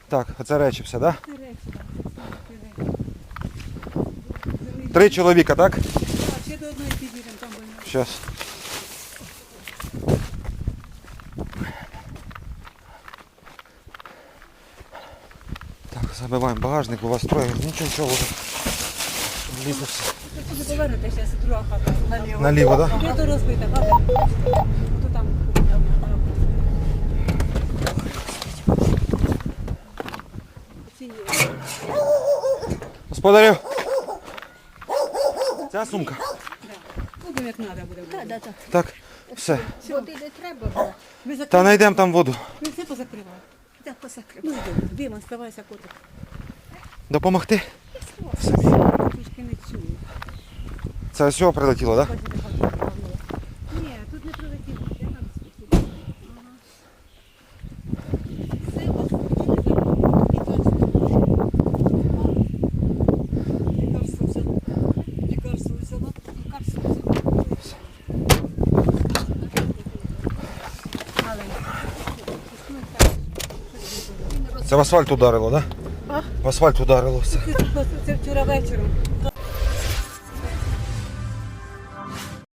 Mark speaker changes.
Speaker 1: Так, оце речі все, так?
Speaker 2: Це речі, так.
Speaker 1: Да? 3 чоловіка, так?
Speaker 2: Так, ще до одної підійдемо, там больно.
Speaker 1: Щас. Так, забиваємо багажник, у вас троє. Нічого вже. Влізло все.
Speaker 2: Ви туди повернете, зараз друга хата. Наліво.
Speaker 1: Наліво, так? Да?
Speaker 2: Де то розбита хата? То там кухня. Ці є.
Speaker 1: Господарю. Ця сумка.
Speaker 2: Будемо як треба буде.
Speaker 3: Так.
Speaker 1: Так, все.
Speaker 3: Води не треба було.
Speaker 2: Ви
Speaker 1: Та
Speaker 2: закривали?
Speaker 1: знайдемо там воду.
Speaker 2: Ви все позакривали.
Speaker 3: Так посакрив.
Speaker 2: Ну, йдемо. Димон, ставайся, котик.
Speaker 1: Допомогти?
Speaker 2: Трішки не чую.
Speaker 1: Це ось цього прилетіло, так? Да?
Speaker 2: Бачите, хата повернула. Ні, тут не прилетіло. Я там світила. Ага. Все, вас лікарство взяла. Лікарство взяла. Лікарство взяла.
Speaker 1: Це в асфальт ударило, так? Да?
Speaker 2: А?
Speaker 1: В асфальт ударило все.
Speaker 2: Це вчора вечором.